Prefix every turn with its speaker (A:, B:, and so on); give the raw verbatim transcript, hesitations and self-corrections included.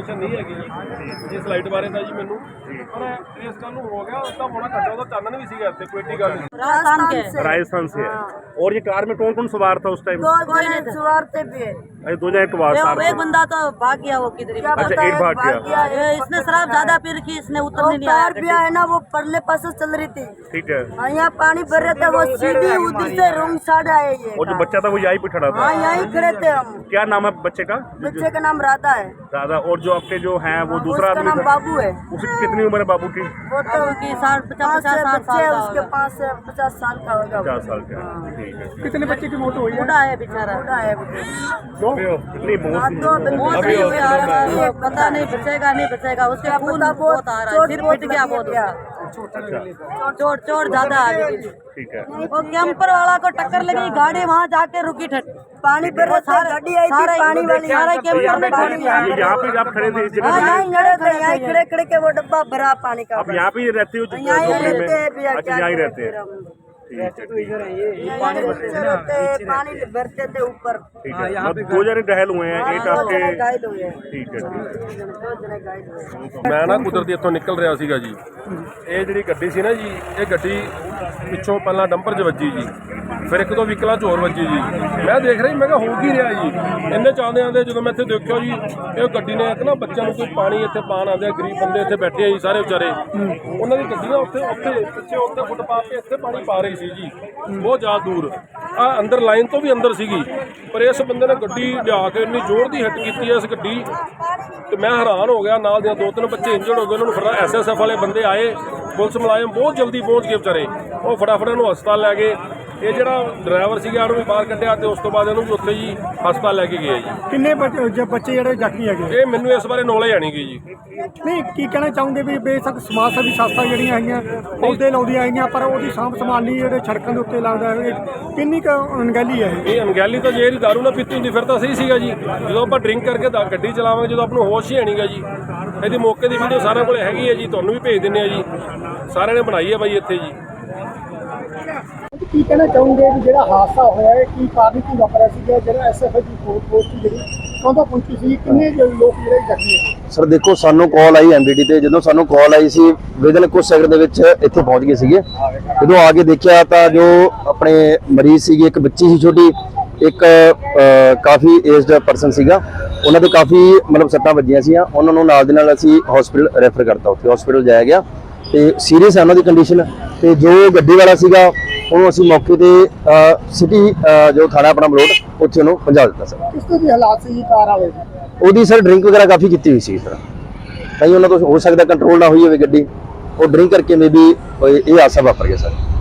A: Information नहीं हैगी इस लाइट बारे जी मैनू पर इस गल हो गया उसका होना घंटा ਉਹਦਾ ਚਾਨਣ भी ਸੀਗਾ ਇੱਥੇ ਕੋਈ ਏਡੀ ਗੱਲ नहीं।
B: राजस्थान के
C: राजस्थान से है। और ये कार में कौन कौन सवार था उस टाइम?
B: दो जने सवार थे भी।
C: अरे दो जने सवार
B: एक एक बंदा तो भाग गया वो किधर ही।
C: अच्छा एक भाग गया।
B: ये इसने शराब ज्यादा पी रखी इसने उतरने नहीं आया।
D: भी है ना वो परले पास चल रही थी।
C: ठीक है।
D: हाँ यहाँ पानी भर रहे थे वो सीधी उधर से रूम साइड आए ये।
C: और जो बच्चा था वो यहीं पे खड़ा था?
D: हाँ यहीं खड़े थे हम।
C: क्या नाम है बच्चे का?
D: बच्चे का नाम राधा है।
C: राधा। और जो आपके जो है वो दूसरा
D: उसका नाम बाबू है।
C: उसकी कितनी उम्र है बाबू की?
D: वो तो
B: की साठ पचास पचास साठ साल का
D: उसके पास से पचास साल का होगा।
C: पचास साल का। ठीक है।
A: कितने बच्चे की मौत हुई है?
B: बूढ़ा है बेचारा।
D: बूढ़ा है
C: दो कितनी बहुत
D: दो
B: बहुत नहीं हुई आ रहा है, पता नहीं बचेगा नहीं बचेगा उसके खून बहुत आ रहा है सिर पिट गया बहुत उसका चोट चोट ज्यादा आ गई।
C: ठीक है।
B: वो कैंपर वाला को टक्कर लगी गाड़ी वहाँ जाके रुकी ठट
D: पानी भर रहा था गाड़ी आई थी पानी वाली
B: सारा कैंपर में ठट गया।
C: यहाँ पे आप खड़े थे इस
D: हाँ
C: जगह?
D: यहीं खड़े थे यहीं खड़े खड़े के वो डब्बा भरा पानी का।
C: आप यहाँ पे रहते हो?
D: यहीं रहते हैं भैया।
C: अच्छा यहीं रहते हैं।
D: पानी भरते थे ऊपर।
C: ठीक है। दो जने घायल हुए हैं एक आपके?
D: घायल हुए हैं।
C: ठीक है।
D: दो जने घायल हुए।
A: ਮੈਂ ਨਾ ਕੁਦਰਤੀ ਇੱਥੋਂ ਨਿਕਲ ਰਿਹਾ ਸੀਗਾ ਜੀ ਇਹ ਜਿਹੜੀ ਗੱਡੀ ਸੀ ਨਾ ਜੀ ਇਹ ਗੱਡੀ ਪਿੱਛੋਂ ਪਹਿਲਾਂ ਡੰਪਰ 'ਚ ਵੱਜੀ ਜੀ ਫਿਰ ਇੱਕ ਦੋ ਵਹੀਕਲਾਂ 'ਚ ਹੋਰ ਵੱਜੀ ਜੀ ਮੈਂ ਦੇਖ ਰਿਹਾ ਮੈਂ ਕਿਹਾ ਹੋ ਕੀ ਰਿਹਾ ਜੀ ਇੰਨੇ ਚਾਹੁੰਦੇ ਆਂਦੇ ਜਦੋਂ ਮੈਂ ਇੱਥੇ ਦੇਖਿਆ ਜੀ ਇਹ ਗੱਡੀ ਨੇ ਇੱਕ ਨਾ ਬੱਚਿਆਂ ਨੂੰ ਕੋਈ ਪਾਣੀ ਇੱਥੇ ਪਾਣ ਆਉਂਦੇ ਗਰੀਬ ਬੰਦੇ ਇੱਥੇ ਬੈਠੇ ਆ ਜੀ ਸਾਰੇ ਵਿਚਾਰੇ ਉਹਨਾਂ ਦੀ ਗੱਡੀ ਨਾ ਉੱਥੇ ਉੱਥੇ ਪਿੱਛੇ ਉੱਥੇ ਫੁੱਟਪਾਥ 'ਤੇ ਇੱਥੇ ਪਾਣੀ ਪਾ ਰਹੀ ਸੀ ਜੀ ਬਹੁਤ ਜ਼ਿਆਦਾ ਦੂਰ ਆ ਅੰਦਰ ਲਾਈਨ ਤੋਂ ਵੀ ਅੰਦਰ ਸੀਗੀ ਪਰ ਇਸ ਬੰਦੇ ਨੇ ਗੱਡੀ ਲਿਆ ਕੇ ਇੰਨੀ ਜ਼ੋਰ ਦੀ ਹਿੱਟ ਕੀਤੀ ਇਸ ਗੱਡੀ ਤੇ ਮੈਂ ਹੈਰਾਨ ਹੋ ਗਿਆ ਨਾਲ ਦੇ ਦੋ ਤਿੰਨ ਬੱਚੇ ਇੰਜਰਡ ਹੋ ਗਏ ਉਹਨਾਂ ਨੂੰ ਫਿਰ ਐਸ ਐਸ ਐਫ ਵਾਲੇ ਬੰਦੇ ਆਏ ਪੁਲਿਸ ਮੁਲਾਜ਼ਮ ਬਹੁਤ ਜਲਦੀ ਪਹੁੰਚ ਗਏ ਵਿਚਾਰੇ ਉਹ ਫਟਾਫਟ ਇਹਨੂੰ ਹਸਪਤਾਲ ਲੈ ਗਏ ਇਹ ਜਿਹੜਾ ਡਰਾਈਵਰ ਸੀਗਾ ਉਹਨੂੰ ਵੀ ਬਾਹਰ ਕੱਢਿਆ ਤੇ ਉਸ ਤੋਂ ਬਾਅਦ ਇਹਨੂੰ ਵੀ ਉੱਥੇ ਜੀ ਹਸਪਤਾਲ ਲੈ ਕੇ ਗਏ ਜੀ।
E: ਕਿੰਨੇ ਬੱਚੇ ਬੱਚੇ ਜਿਹੜੇ ਜ਼ਖਮੀ ਹੈਗੇ?
A: ਇਹ ਮੈਨੂੰ ਇਸ ਬਾਰੇ ਨੌਲੇਜ ਆਣੀ ਗਈ ਜੀ।
E: ਨਹੀਂ ਕੀ ਕਹਿਣਾ ਚਾਹੋਗੇ ਵੀ ਬੇਸ਼ੱਕ ਸਮਾਜ ਸੇਵੀ ਸੰਸਥਾ ਜਿਹੜੀਆਂ ਹੈਗੀਆਂ ਪੌਦੇ ਲਾਉਂਦੀਆਂ ਹੈਗੀਆਂ ਪਰ ਉਹਦੀ ਸਾਂਭ ਸੰਭਾਲ ਨਹੀਂ ਜਿਹੜੇ ਸੜਕਾਂ ਦੇ ਉੱਤੇ ਲੱਗਦਾ ਹੈ ਕਿੰਨੀ ਕੁ ਅਣਗਹਿਲੀ ਹੈ ਇਹ?
A: ਇਹ ਅਣਗਹਿਲੀ ਤਾਂ ਜੇ ਇਹਦੀ ਦਾਰੂ ਨਾ ਪੀਤੀ ਹੁੰਦੀ ਫਿਰ ਤਾਂ ਸਹੀ ਸੀਗਾ ਜੀ ਜਦੋਂ ਆਪਾਂ ਡਰਿੰਕ ਕਰਕੇ ਤਾਂ ਗੱਡੀ ਚਲਾਵਾਂਗੇ ਜਦੋਂ ਆਪ ਨੂੰ ਹੋਸ਼ ਹੀ ਆਣੀਗਾ ਜੀ ਇਹਦੀ ਮੌਕੇ ਦੀ ਵੀਡੀਓ ਸਾਰਿਆਂ ਕੋਲ ਹੈਗੀ ਹੈ ਜੀ ਤੁਹਾਨੂੰ ਵੀ ਭੇਜ ਦਿੰਦੇ ਆ ਜੀ ਸਾਰਿਆਂ ਨੇ ਬਣਾਈ ਹੈ ਬਾਈ ਇੱਥੇ ਜੀ।
E: ਕੀ ਕਹਿਣਾ ਚਾਹੋਗੇ ਵੀ ਜਿਹੜਾ ਹਾਦਸਾ ਹੋਇਆ ਹੈ ਕੀ ਕਾਰਨ ਕੀ ਵਾਪਰਿਆ ਸੀਗਾ ਜਿਹੜਾ ਐਸ ਐਫ ਦੀ ਪੋਸਟ ਜਿਹੜੀ ਕੌਂਦਾ ਪਹੁੰਚੀ ਸੀ ਕਿੰਨੇ ਲੋਕ ਜਿਹੜੇ ਜ਼ਖਮੀ ਹੋਏ?
F: ਸਰ ਦੇਖੋ ਸਾਨੂੰ ਕਾਲ ਆਈ ਐਮਡੀਡੀ ਤੇ ਜਦੋਂ ਸਾਨੂੰ ਕਾਲ ਆਈ ਸੀ ਵਿਦਨ ਕੁਝ ਸੈਕਿੰਡ ਦੇ ਵਿੱਚ ਇੱਥੇ ਪਹੁੰਚ ਗਏ ਸੀਗੇ ਜਦੋਂ ਆ ਕੇ ਦੇਖਿਆ ਤਾਂ ਜੋ ਆਪਣੇ ਮਰੀਜ਼ ਸੀਗੇ ਇੱਕ ਬੱਚੀ ਸੀ ਛੋਟੀ ਇੱਕ ਕਾਫੀ ਏਜਡ ਪਰਸਨ ਸੀਗਾ ਉਹਨਾਂ ਦੇ ਕਾਫੀ ਮਤਲਬ ਸੱਟਾਂ ਵੱਜੀਆਂ ਸੀਆਂ ਉਹਨਾਂ ਨੂੰ ਨਾਲ ਦੇ ਨਾਲ ਅਸੀਂ ਹਸਪੀਟਲ ਰੈਫਰ ਕਰਤਾ ਉੱਥੇ ਹਸਪੀਟਲ ਜਾਇਆ ਗਿਆ ਤੇ ਸੀਰੀਅਸ ਹੈ ਉਹਨਾਂ ਦੀ ਕੰਡੀਸ਼ਨ ਤੇ ਜੋ ਗੱਡੀ ਵਾਲਾ ਸੀਗਾ ਉਹਨੂੰ ਅਸੀਂ ਮੌਕੇ ਤੇ ਸਿਟੀ ਜੋ ਥਾਣਾ ਆਪਣਾ ਮਲੋਟ ਉੱਥੇ ਉਹਨੂੰ ਪਹੁੰਚਾ ਦਿੱਤਾ ਸਰ।
E: ਕਿਸ ਤਰ੍ਹਾਂ ਦੀ ਹਾਲਾਤ ਸੀ ਕਾਰ ਵਾਲੇ ਦੀ?
F: ਉਹਦੀ ਸਰ ਡਰਿੰਕ ਵਗੈਰਾ ਕਾਫੀ ਕੀਤੀ ਹੋਈ ਸੀ ਇਸ ਤਰ੍ਹਾਂ ਤਾਂ ਉਹਨਾਂ ਤੋਂ ਹੋ ਸਕਦਾ ਕੰਟਰੋਲ ਨਾ ਹੋਈ ਹੋਵੇ ਗੱਡੀ ਉਹ ਡਰਿੰਕ ਕਰਕੇ ਮੇਬੀ ਇਹ ਹਾਦਸਾ ਵਾਪਰ ਗਿਆ ਸਰ।